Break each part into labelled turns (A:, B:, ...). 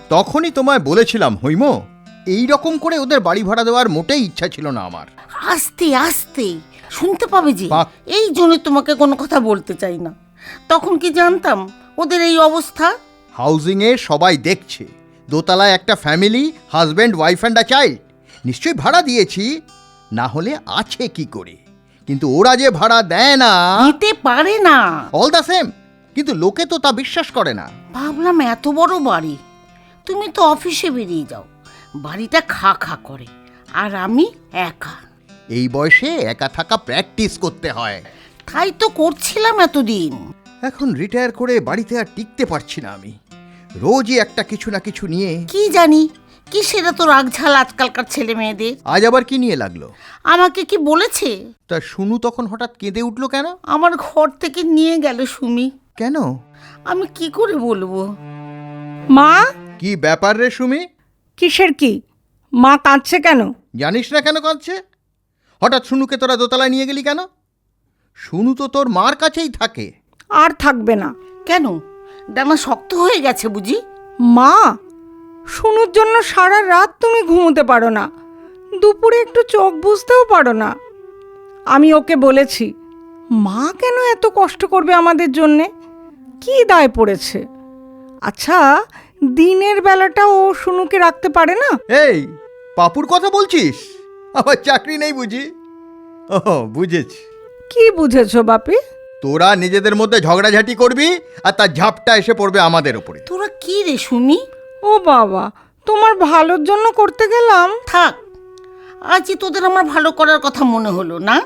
A: তখনই তোমায় বলেছিলাম হৈম, এই রকম করে ওদের বাড়ি ভাড়া দেওয়ার মোটেই ইচ্ছা ছিল না আমার।
B: আস্তে আস্তে শুনতে পাবে যে,
A: বাহ।
B: এই জন্য তোমাকে কোনো কথা বলতে চাই না। তখন কি জানতাম ওদের এই অবস্থা।
A: হাউজিংয়ে সবাই দেখছে, দোতলায় একটা family, husband, wife and a child. নিশ্চয়ই ভাড়া দিয়েছি, না হলে আছে কি করে? কিন্তু ওরা যে ভাড়া দেয় না,
B: দিতে পারে না।
A: অল দ্য সেম, কিন্তু লোকে তো তা বিশ্বাস করে না।
B: ভাবলাম এত বড় বাড়ি, তুমি তো অফিসে বেরিয়ে যাও, বাড়িটা খা খা করে, আর আমি একা।
A: এই বয়সে একা থাকা প্র্যাকটিস করতে হয়।
B: তাই তো করছিলাম এতদিন।
A: এখন রিটায়ার করে বাড়িতে আর টিকতে পারছি না আমি। রোজই একটা কিছু না কিছু নিয়ে।
B: কি জানি কি সেটা তো রাগঝাল আজকালকার ছেলে মেয়েদের।
A: আজ আবার কি নিয়ে লাগলো?
B: আমাকে কি বলেছে?
A: তা শুনু তখন হঠাৎ কেঁদে উঠলো কেন?
B: আমার ঘর থেকে নিয়ে গেল সুমি।
A: কেন?
B: আমি কি করে বলবো?
C: মা,
A: কি ব্যাপার রে সুমি?
C: কিসের কি? মা কাঁদছে কেন?
A: জানিস না কেন কাঁদছে? হঠাৎ শুনুকে তোরা দোতলায় নিয়ে গেলি কেন? শুনু তো তোর মার কাছেই থাকে।
C: আর থাকবে না।
B: কেন, ডানা শক্ত হয়ে গেছে বুঝি?
C: মা, শুনুর জন্য সারা রাত তুমি ঘুমোতে পারো না, দুপুরে একটু চোখ বুঝতেও পারো না। আমি ওকে বলেছি, মা কেন এত কষ্ট করবে আমাদের জন্যে? কি দায় পড়েছে? আচ্ছা, দিনের বেলাটা ও শুনুকে রাখতে পারে না?
A: এই পাপুর কথা বলছিস? আমার চাকরি নেই বুঝি? ও বুঝেছি,
C: কি বুঝেছো বাপি?
A: তোরা নিজেদের মধ্যে ঝগড়াঝাটি করবি আর তার ঝাপটা এসে পড়বে আমাদের ওপরে।
B: তোরা কি রে সুমি?
C: ও বাবা, তোমার ভালোর জন্য করতে গেলাম।
B: থাক, আজই তোদের আমার ভালো করার কথা মনে হলো না?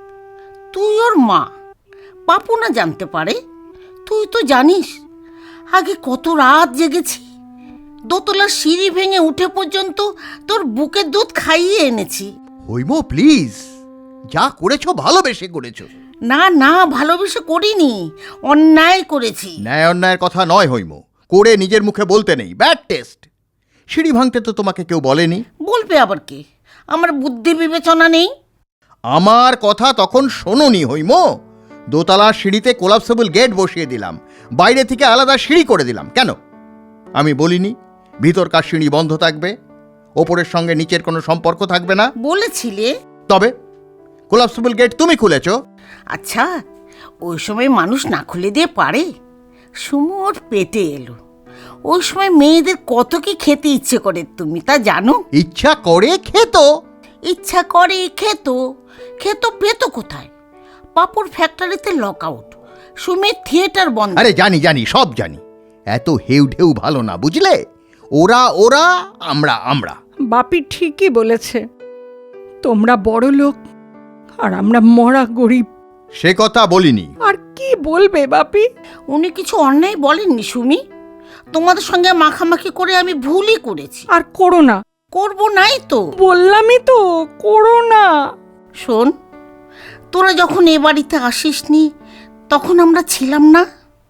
B: তুই ওর মা, পাপু না জানতে পারে? তুই তো জানিস আগে কত রাত জেগেছি, দোতলার সিঁড়ি ভেঙে উঠে পর্যন্ত তোর বুকের দুধ খাইয়ে এনেছি।
A: হৈম প্লিজ, যা করেছো ভালোবেসে করেছো।
B: না না, ভালোবেসে করিনি, অন্যায় করেছি।
A: ন্যায় অন্যায়ের কথা নয় হৈম, করে নিজের মুখে বলতে নেই, ব্যাড টেস্ট। সিঁড়ি ভাঙতে তো তোমাকে কেউ বলেনি।
B: বলবে আবার কে? আমার বুদ্ধি বিবেচনা নেই?
A: আমার কথা তখন শোনোনি হৈম। দোতলার সিঁড়িতে কোলাপসেবল গেট বসিয়ে দিলাম, বাইরে থেকে আলাদা সিঁড়ি করে দিলাম। কেন? আমি বলিনি ভিতরকার সিঁড়ি বন্ধ থাকবে, ওপরের সঙ্গে নিচের কোনো সম্পর্ক থাকবে না?
B: বলেছিলে।
A: তবে কোলাপসেবল গেট তুমি খুলেছো।
B: আচ্ছা, ওই সময় মানুষ না খুলে দিয়ে পারে? সুমোর পেটে এলো, ওই সময় মেয়েদের কত কি খেতে ইচ্ছে করে তুমি তা জানো?
A: ইচ্ছা করে খেত।
B: ইচ্ছা করে খেত, খেত পেত কোথায়? পাপড় ফ্যাক্টরিতে লক আউট, সুমির থিয়েটার বন্ধ।
A: আরে জানি জানি, সব জানি। এত হেউ ঢেউ ভালো না, বুঝলে? ওরা ওরা, আমরা আমরা।
C: বাপি ঠিকই বলেছে, তোমরা বড় লোক আর আমরা মরা গরিব।
A: সে কথা বলিনি।
C: আর কি বলবে বাপি?
B: উনি কিছু অন্যায় বলেননি সুমি, তোমাদের সঙ্গে মাখামাখি করে আমি ভুলই করেছি।
C: আর করো না।
B: করবো নাই তো,
C: বললামই তো, করো না।
B: শোন, তোরা যখন এ বাড়িতে আসিসনি তখন আমরা ছিলাম না?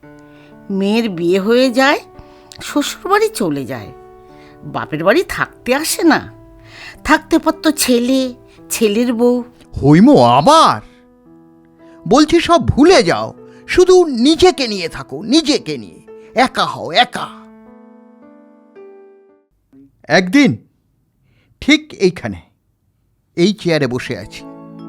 B: মেয়ের বিয়ে হয়ে যায়, শ্বশুর বাড়ি চলে যায়, বাপের বাড়ি থাকতে আসে না। থাকতে পারতো ছেলে, ছেলের বউ।
A: হৈম আবার বলছি সব ভুলে যাও, শুধু নিজেকে নিয়ে থাকো, নিজেকে নিয়ে একা হও, একা। একদিন ঠিক এইখানে এই চেয়ারে বসে আছি।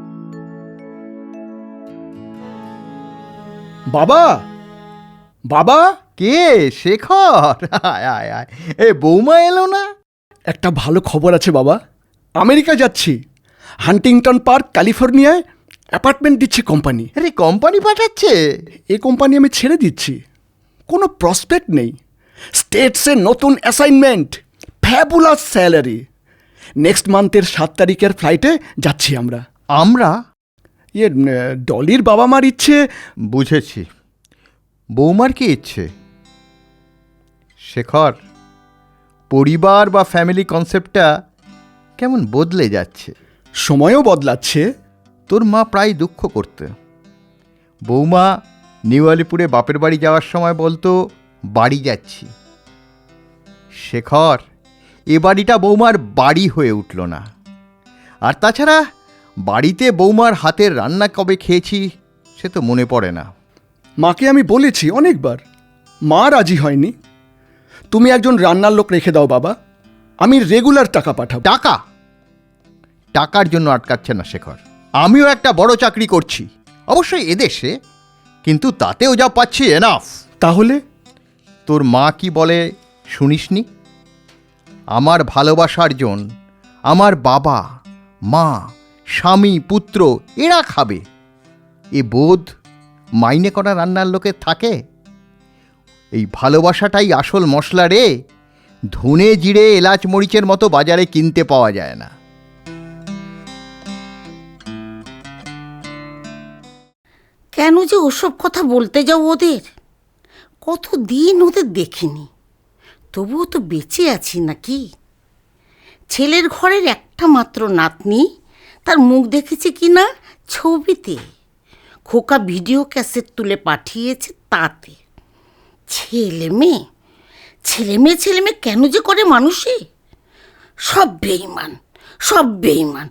D: বাবা, বাবা,
A: কে? শেখর? আয় আয় আয়। এ বৌমা এলো না?
D: একটা ভালো খবর আছে বাবা। আমেরিকা যাচ্ছি, হান্টিংটন পার্ক, ক্যালিফোর্নিয়ায় অ্যাপার্টমেন্ট দিচ্ছে কোম্পানি।
A: আরে কোম্পানি পাঠাচ্ছে?
D: এই কোম্পানি আমি ছেড়ে দিচ্ছি, কোনো প্রসপেক্ট নেই। স্টেটসে নতুন অ্যাসাইনমেন্ট, ফ্যাবুলাস স্যালারি। নেক্সট মান্থের 7 তারিখের ফ্লাইটে যাচ্ছি আমরা।
A: আমরা?
D: ডলির বাবা মার ইচ্ছে।
A: বুঝেছি, বৌমার কি ইচ্ছে? শেখর, পরিবার বা ফ্যামিলি কনসেপ্টটা কেমন বদলে যাচ্ছে।
D: সময়ও বদলাচ্ছে।
A: তোর মা প্রায় দুঃখ করতে। বৌমা নিউ আলিপুরে বাপের বাড়ি যাওয়ার সময় বলতো বাড়ি যাচ্ছি। শেখর, এ বাড়িটা বৌমার বাড়ি হয়ে উঠল না। আর তাছাড়া বাড়িতে বৌমার হাতের রান্না কবে খেয়েছি সে তো মনে পড়ে না।
D: মাকে আমি বলেছি অনেকবার, মা রাজি হয়নি। তুমি একজন রান্নার লোক রেখে দাও বাবা, আমি রেগুলার টাকা পাঠাবো।
A: টাকা? টাকার জন্য আটকাচ্ছে না শেখর। আমিও একটা বড় চাকরি করছি, অবশ্যই এদেশে, কিন্তু তাতেও যা পাচ্ছি এনাফ।
D: তাহলে
A: তোর মা কি বলে শুনিসনি? আমার ভালোবাসার জন, আমার বাবা মা স্বামী পুত্র এরা খাবে, এ বোধ মাইনে করা রান্নার লোকের থাকে? এই ভালোবাসাটাই আসল মশলা রে, ধনে জিরে এলাচ মরিচের মতো বাজারে কিনতে পাওয়া যায় না।
B: কেন যে ওসব কথা বলতে যাও ওদের? কতদিন ওদের দেখিনি, তবুও তো বেঁচে আছি নাকি? ছেলের ঘরের একটা মাত্র নাতনি, তার মুখ দেখেছি কি না ছবিতে, খোকা ভিডিও ক্যাসেট তুলে পাঠিয়েছে তাতে। ছেলে মেয়ে ছেলে মেয়ে কেন যে করে মানুষে? সব বেঈমান, সব বেঈমান।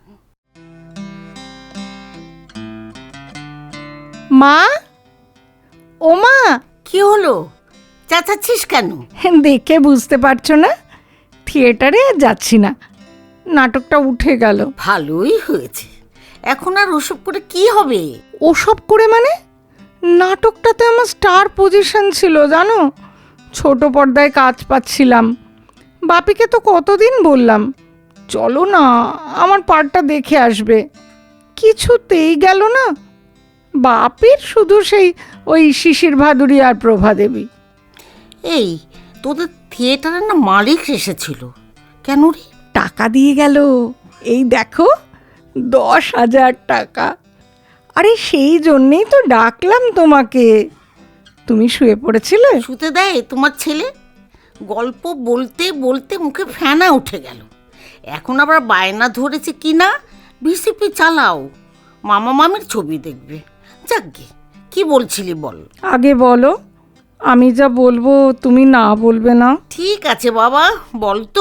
C: মা, ও মা,
B: কি হলো, চেঁচাচ্ছিস কেন?
C: দেখে বুঝতে পারছো না থিয়েটারে আর যাচ্ছি না, নাটকটা উঠে গেল।
B: ভালোই হয়েছে, এখন আর ওসব করে কি হবে?
C: ওসব করে মানে? নাটকটাতে আমার স্টার পজিশন ছিল জানো, ছোট পর্দায় কাজ পাচ্ছিলাম। বাপিকে তো কতদিন বললাম চলো না আমার পার্টটা দেখে আসবে, কিছুতেই গেল না। বাপির শুধু সেই ওই শিশির ভাদুরী আর প্রভা দেবী।
B: এই তোদের থিয়েটারের না মালিক এসেছিল, কেন রে?
C: টাকা দিয়ে গেল, এই দেখো 10,000 টাকা। আরে সেই জন্যেই তো ডাকলাম তোমাকে। তুমি শুয়ে পড়েছিলে?
B: শুতে দেয় তোমার ছেলে? গল্প বলতে বলতে মুখে ফেনা উঠে গেল, এখন আবার বায়না ধরেছে কি না ভিসিপি চালাও, মামা মামির ছবি দেখবে। যাকগে, কি বলছিলি বল?
C: আগে বলো, আমি যা বলবো তুমি না বলবে না।
B: ঠিক আছে বাবা, বল তো।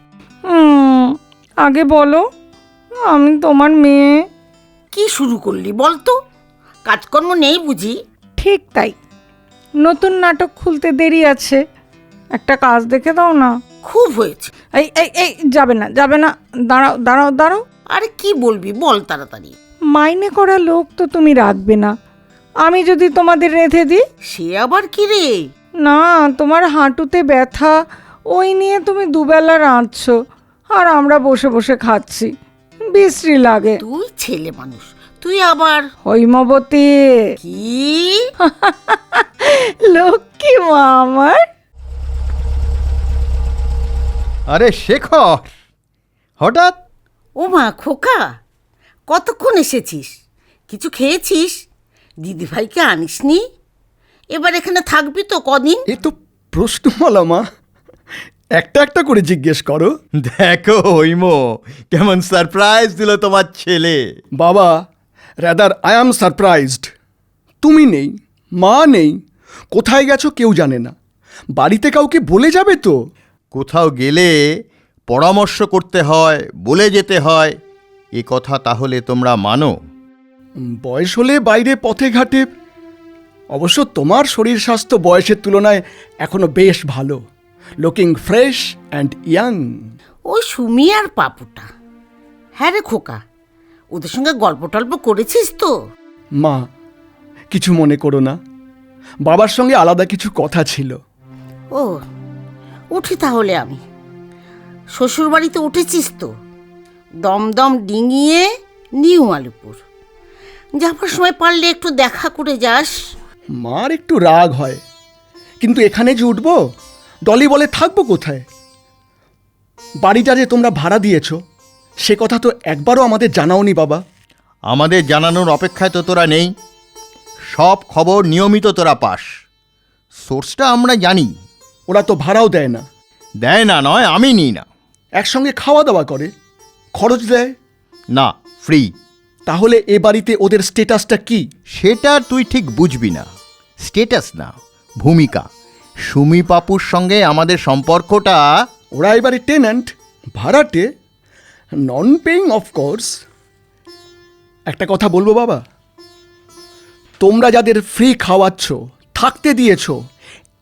C: আগে বলো, আমি তোমার মেয়ে।
B: কি শুরু করলি বল তো, কাজকর্ম নেই বুঝি?
C: ঠিক তাই, নতুন নাটক খুলতে দেরি আছে, একটা কাজ দেখে দাও না।
B: খুব হয়েছে।
C: এই এই এই যাবে না যাবে না, দাঁড়াও দাঁড়াও দাঁড়াও।
B: আরে কি বলবি বল তাড়াতাড়ি।
C: মাইনে করা লোক তো তুমি রাখবে না, আমি যদি তোমাদের রেঁধে দিই?
B: সে আবার কি রে?
C: না, তোমার হাঁটুতে ব্যথা, ওই নিয়ে তুমি দুবেলা রাঁধছো আর আমরা বসে বসে খাচ্ছি, বিশ্রী লাগে।
B: তুই ছেলে মানুষ, তুই আবার
C: হৈমবতী।
B: কি?
C: লক্ষ্মী মা আমার।
A: আরে শেখর, হঠাৎ?
B: ও মা খোকা, কতক্ষণ এসেছিস? কিছু খেয়েছিস? দিদিভাইকে আনিসনি? এবার এখানে থাকবি তো কদিন?
D: এ তো প্রশ্নমালা মা, একটা একটা করে জিজ্ঞেস করো।
A: দেখো হৈম, কেমন সারপ্রাইজ দিল তোমার ছেলে।
D: বাবা, রাদার আই অ্যাম সারপ্রাইজড। তুমি নেই, মা নেই, কোথায় গেছো কেউ জানে না, বাড়িতে কাউকে বলে যাবে তো?
A: কোথাও গেলে পরামর্শ করতে হয়, বলে যেতে হয়, এ কথা তাহলে তোমরা মানো?
D: বয়স হলে বাইরে পথে ঘাটে। অবশ্য তোমার শরীর স্বাস্থ্য বয়সের তুলনায় এখনো বেশ ভালো, লুকিং ফ্রেশ অ্যান্ড ইয়াং।
B: ওই সুমি আর পাপুটা। হ্যাঁ রে খোকা, ওদের সঙ্গে গল্প টল্প করেছিস তো?
D: মা, কিছু মনে করো না, বাবার সঙ্গে আলাদা কিছু কথা ছিল।
B: ও, উঠি তাহলে আমি। শ্বশুর বাড়িতে উঠেছিস তো? দমদম ডিঙিয়ে নিউ আলিপুর যাবার সময় পারলে একটু দেখা করে যাস।
D: মার একটু রাগ হয়, কিন্তু এখানে যে উঠবো, ডলি বলে থাকবো কোথায়? বাড়িটা যে তোমরা ভাড়া দিয়েছ সে কথা তো একবারও আমাদের জানাওনি বাবা।
A: আমাদের জানানোর অপেক্ষায় তো তোরা নেই, সব খবর নিয়মিত তোরা পাস, সোর্সটা আমরা জানি।
D: ওরা তো ভাড়াও দেয় না।
A: দেয় না নয়, আমি নিই না।
D: একসঙ্গে খাওয়া দাওয়া করে, খরচ দেয়
A: না, ফ্রি।
D: তাহলে এ বাড়িতে ওদের স্টেটাসটা কি?
A: সেটা তুই ঠিক বুঝবি না। স্টেটাস না, ভূমিকা। সুমি পাপুর সঙ্গে আমাদের সম্পর্কটা।
D: ওরা এবারে টেন্যান্ট, ভাড়াটে, নন পেইং অফকোর্স। একটা কথা বলবো বাবা, তোমরা যাদের ফ্রি খাওয়াচ্ছ, থাকতে দিয়েছ,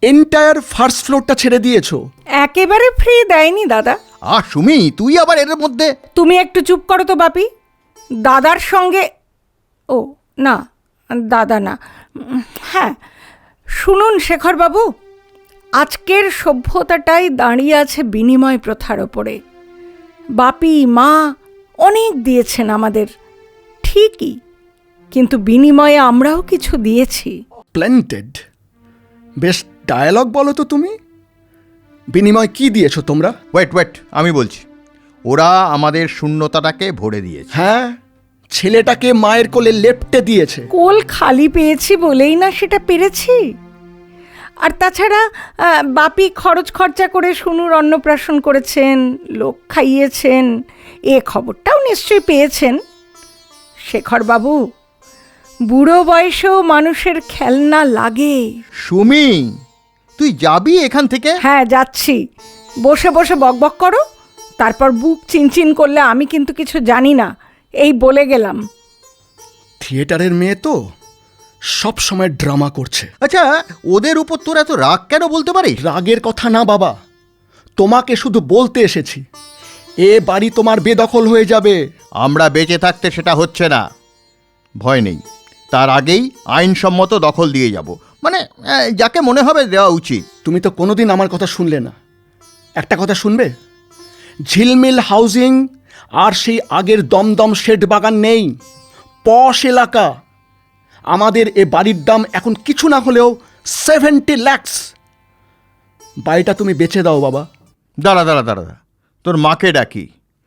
D: এন্টায়ার ফার্স্ট ফ্লোরটা ছেড়ে দিয়েছো।
C: একেবারে ফ্রি দেয়নি দাদা।
A: সুমি, তুই আবার এর মধ্যে।
C: তুমি একটু চুপ করো তো বাপি। দাদার সঙ্গে, ও না, দাদা না, হ্যাঁ, শুনুন শেখরবাবু, আজকের সভ্যতাটাই দাঁড়িয়ে আছে বিনিময় প্রথার ওপরে। বাপি মা অনেক দিয়েছেন আমাদের, ঠিকই, কিন্তু বিনিময়ে আমরাও কিছু দিয়েছি।
D: প্ল্যান্টেড। বেশ ডায়ালগ বলো তো তুমি। বিনিময় কি দিয়েছো তোমরা?
A: ওয়েট, আমি বলছি। ওরা আমাদের শূন্যতাটাকে ভরে দিয়েছে।
D: হ্যাঁ, ছেলেটাকে মায়ের কোলে লেপ্টে দিয়েছে।
C: কোল খালি পেয়েছি বলেই না সেটা পেরেছি। আর তাছাড়া বাপি খরচ খরচা করে শুনুর অন্নপ্রাশন করেছেন, লোক খাইয়েছেন, এ খবরটাও নিশ্চয়ই পেয়েছেন। শেখরবাবু, বুড়ো বয়সেও মানুষের খেলনা লাগে।
A: সুমি, তুই যাবি এখান থেকে?
C: হ্যাঁ, যাচ্ছি। বসে বসে বকবক করো, তারপর বুক চিনচিন করলে আমি কিন্তু কিছু জানি না, এই বলে গেলাম।
D: থিয়েটারের মেয়ে তো সব সময় ড্রামা করছে।
A: আচ্ছা, ওদের উপর তোর এত রাগ কেন বলতে পারিস?
D: রাগের কথা না বাবা, তোমাকে শুধু বলতে এসেছি, এ বাড়ি তোমার বেদখল হয়ে যাবে।
A: আমরা বেঁচে থাকতে সেটা হচ্ছে না। ভয় নেই, তার আগেই আইনসম্মত দখল দিয়ে যাব। মানে যাকে মনে হবে দেওয়া উচিত।
D: তুমি তো কোনোদিন আমার কথা শুনলে না। একটা কথা শুনবে, ঝিলমিল হাউজিং আর সেই আগের দমদম শেড বাগান নেই। পশ এলাকা। আমাদের এ বাড়ির দাম এখন কিছু না হলেও 70 লাখ। বাড়িটা তুমি বেচে দাও বাবা।
A: দাঁড়া, তোর মাকে ডাকি।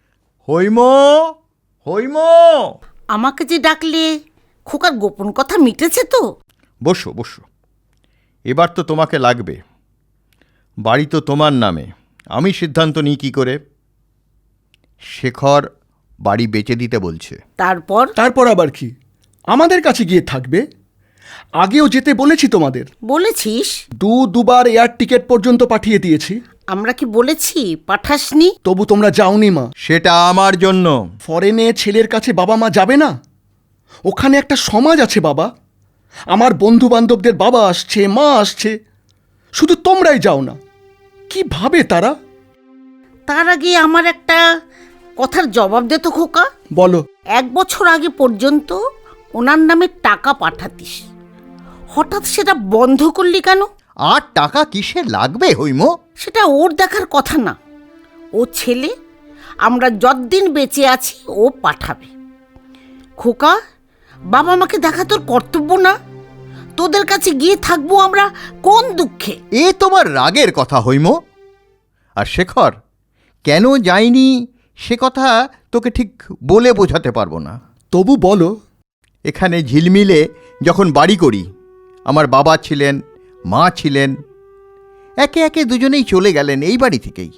A: হইম।
B: আমাকে যে ডাকলে খোকার গোপন কথা মিটেছে তো?
A: বসো। এবার তো তোমাকে লাগবে। বাড়ি তো তোমার নামে। আমি সিদ্ধান্ত নিই কী করে। শেখর বাড়ি বেচে দিতে বলছে।
B: তারপর
D: আবার কি? আমাদের কাছে গিয়ে থাকবে। আগেও যেতে বলেছি তোমাদের।
B: বলেছিস?
D: দুবার এয়ার টিকিট পর্যন্ত পাঠিয়ে দিয়েছি।
B: আমরা কি বলেছি পাঠাসনি?
D: তবু তোমরা যাওনি মা।
A: সেটা আমার জন্য।
D: ফরেনে ছেলের কাছে বাবা মা যাবে না? ওখানে একটা সমাজ আছে বাবা। আমার বন্ধু বান্ধবদের বাবা আসছে, মা আসছে, শুধু তোমরাই যাও না। কি ভাবে তারা?
B: তার আগে আমার একটা কথার জবাব দে তো খোকা।
D: বলো।
B: 1 বছর আগে পর্যন্ত ওনার নামে টাকা পাঠাতিস, হঠাৎ সেটা বন্ধ করলি কেন?
A: আর টাকা কিসে লাগবে হইম?
B: সেটা ওর দেখার কথা না। ও ছেলে, আমরা যতদিন বেঁচে আছি ও পাঠাবে। খোকা, বাবা মাকে দেখা তোর কর্তব্য না? তোদের কাছে গিয়ে থাকবো আমরা কোন দুঃখে?
A: এ তোমার রাগের কথা হইম। আর শেখর কেন যায়নি সে কথা তোকে ঠিক বলে বোঝাতে পারবো না।
D: তবু বলো।
A: এখানে ঝিলমিলে যখন বাড়ি করি, আমার বাবা ছিলেন, মা ছিলেন, একে একে দুজনেই চলে গেলেন এই বাড়ি থেকেই।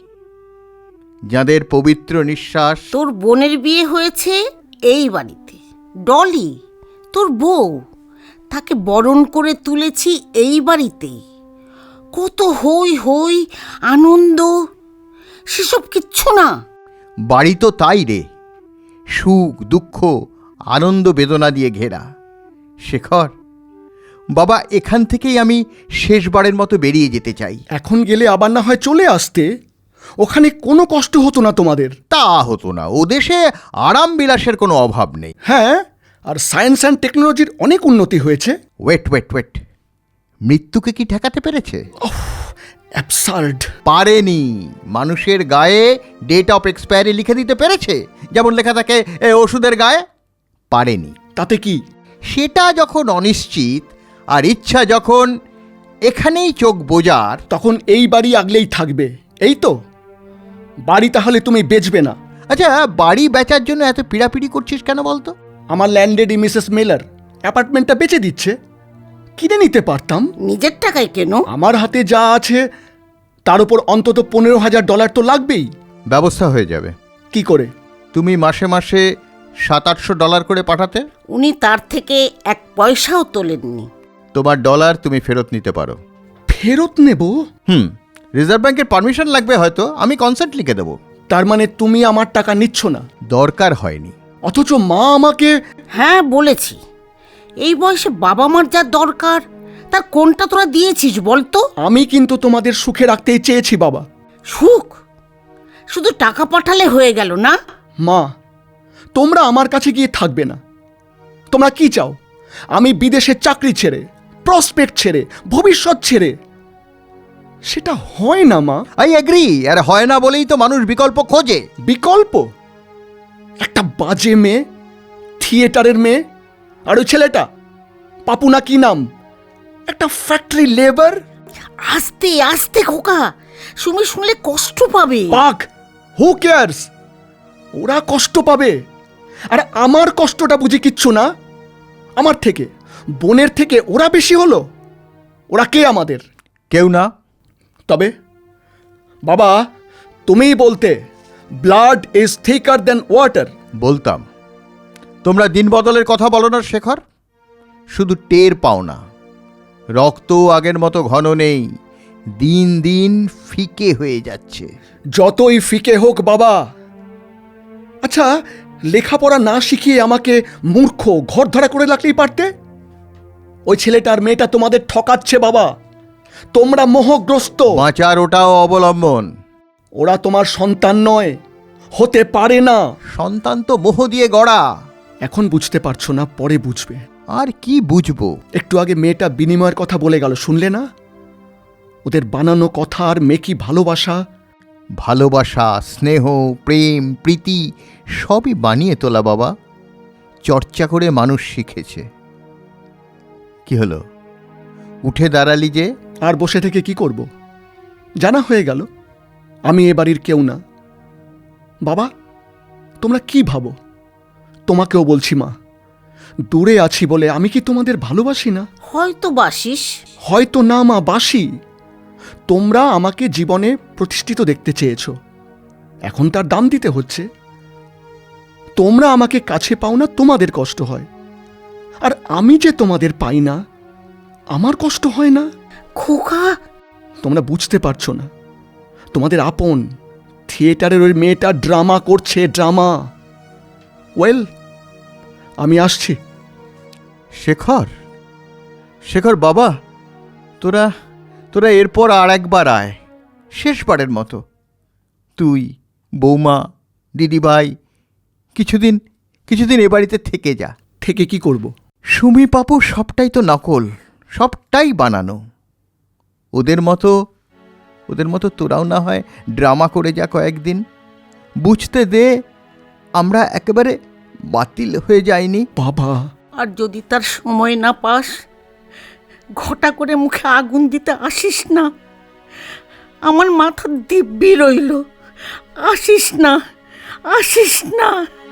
A: যাদের পবিত্র নিঃশ্বাস।
B: তোর বোনের বিয়ে হয়েছে এই বাড়িতে। ডলি তোর বউ, তাকে বরণ করে তুলেছি এই বাড়িতেই। কত হই হই আনন্দ, সেসব কিচ্ছু না।
A: বাড়ি তো তাই রে, সুখ দুঃখ আনন্দ বেদনা দিয়ে ঘেরা। শেখর বাবা, এখান থেকেই আমি শেষবারের মতো বেরিয়ে যেতে চাই।
D: এখন গেলে আবার না হয় চলে আসতে। ওখানে কোনো কষ্ট হতো না তোমাদের।
A: তা হতো না, ও দেশে আরাম বিলাসের কোনো অভাব নেই।
D: হ্যাঁ, আর সায়েন্স অ্যান্ড টেকনোলজির অনেক উন্নতি হয়েছে।
A: ওয়েট, মৃত্যুকে কি ঠেকাতে পেরেছে?
D: অ্যাবসার্ড।
A: পারেনি। মানুষের গায়ে ডেট অফ এক্সপায়ারি লিখে দিতে পেরেছে, যেমন লেখা থাকে ওষুধের গায়ে। পারেনি।
D: তাতে কি?
A: সেটা যখন অনিশ্চিত আর ইচ্ছা যখন এখানেই চোখ বোঝার,
D: তখন এই বাড়ি আগলেই থাকবে, এই তো। বাড়ি তাহলে তুমি বেচবে না?
A: আচ্ছা, বাড়ি বেচার জন্য এত পিড়াপিড়ি করছিস কেন বলতো?
D: আমার ল্যান্ডলেডি মিসেস মিলার অ্যাপার্টমেন্টটা বেচে দিচ্ছে। কিনে নিতে পারতাম।
B: নিজের টাকায় কেন?
D: আমার হাতে যা আছে তার উপর অন্তত $15,000 তো লাগবেই।
A: ব্যবস্থা হয়ে যাবে।
D: কি করে?
A: তুমি মাসে মাসে $700-800 করে পাঠাতে।
B: উনি তার থেকে 1 পয়সাও তোলেননি।
A: তোমার ডলার তুমি ফেরত নিতে পারো।
D: ফেরত নেব?
A: রিজার্ভ ব্যাংকের পারমিশন লাগবে হয়তো, আমি কনসেন্ট লিখে দেবো।
D: তার মানে তুমি আমার টাকা নিচ্ছ না?
A: দরকার হয়নি।
D: অথচ মা আমাকে।
B: হ্যাঁ বলেছি, এই বয়সে বাবা মার যা দরকার তার কোনটা তোরা দিয়েছিস বলতো?
D: আমি কিন্তু তোমাদের সুখে রাখতেই চেয়েছি বাবা।
B: সুখ? শুধু টাকা পাঠালে হয়ে গেল না?
D: মা, তোমরা আমার কাছে গিয়ে থাকবে না। তোমরা কি চাও? আমি বিদেশে চাকরি ছেড়ে, প্রসপেক্ট ছেড়ে, ভবিষ্যৎ ছেড়ে? সেটা হয় না মা।
A: I agree. আর হয় না বলেই তো মানুষ বিকল্প খোঁজে।
D: বিকল্প? একটা বাজে মেয়ে, থিয়েটারের মেয়ে, আর ওই ছেলেটা পাপুনা, কি নাম, একটা ফ্যাক্টরি লেবার।
B: আস্তে আস্তে খোকা, সুমি শুনলে কষ্ট পাবে।
D: পাক, হু কেয়ারস? ওরা কষ্ট পাবে। আর আমার কষ্টটা বুঝি কিচ্ছু না? আমার থেকে, বোনের থেকে ওরা বেশি হলো? ওরা কে আমাদের?
A: কেউ না।
D: তবে বাবা, তুমিই বলতে blood is thicker than water.
A: বলতাম। তোমরা দিন বদলের কথা বলো না শেখর, শুধু টের পাও না। রক্ত আগের মতো ঘন নেই, দিন দিন ফিকে হয়ে যাচ্ছে।
D: যতই ফিকে হোক বাবা। আচ্ছা, লেখাপড়া না শিখিয়ে আমাকে মূর্খ ঘরধরা করে রাখলেই পারতে। ওই ছেলেটার মেয়েটা তোমাদের ঠকাচ্ছে বাবা। তোমরা মোহগ্রস্ত।
A: বাঁচার ওটাও অবলম্বন।
D: ওরা তোমার সন্তান নয়, হতে পারে না।
A: সন্তান তো মোহ দিয়ে গড়া।
D: এখন বুঝতে পারছো না, পরে বুঝবে।
A: আর কি বুঝবো?
D: একটু আগে মেয়েটা বিনিময়ের কথা বলে গেল, শুনলে না? ওদের বানানো কথা আর মেকি ভালোবাসা।
A: ভালোবাসা, স্নেহ, প্রেম, প্রীতি সবই বানিয়ে তোলা বাবা। চর্চা করে মানুষ শিখেছে। কি হলো, উঠে দাঁড়ালি যে?
D: আর বসে থেকে কি করব? জানা হয়ে গেল আমি এ বাড়ির কেউ না। বাবা, তোমরা কি ভাবো? তোমাকেও বলছি মা, দূরে আছি বলে আমি কি তোমাদের ভালোবাসি না?
B: হয়তো বাসিস।
D: হয়তো না মা, বাসি। তোমরা আমাকে জীবনে প্রতিষ্ঠিত দেখতে চেয়েছো, এখন তার দাম দিতে হচ্ছে। তোমরা আমাকে কাছে পাও না, তোমাদের কষ্ট হয়। আর আমি যে তোমাদের পাই না, আমার কষ্ট হয় না।
B: খোকা,
D: তোমরা বুঝতে পারছো না। তোমাদের আপন থিয়েটারের ওই মেয়েটা ড্রামা করছে, ড্রামা। ওয়েল, আমি আসছি।
A: শেখর, শেখর বাবা, তোরা তোরা এরপর আর একবার আয়, শেষবারের মতো। তুই, বৌমা, দিদিভাই কিছুদিন এ বাড়িতে থেকে যা।
D: থেকে কি করব?
A: সুমি পাপু সবটাই তো নকল, সবটাই বানানো। ওদের মতো তোরাও না হয় ড্রামা করে যা কয়েকদিন। বুঝতে দে আমরা একেবারে বাতিল হয়ে যাইনি।
D: বাবা,
B: আর যদি তার সময় না পাস, ঘটা করে মুখে আগুন দিতে আসিস না। আমার মাথা দিব্যি রইল। আসিস না, আসিস না।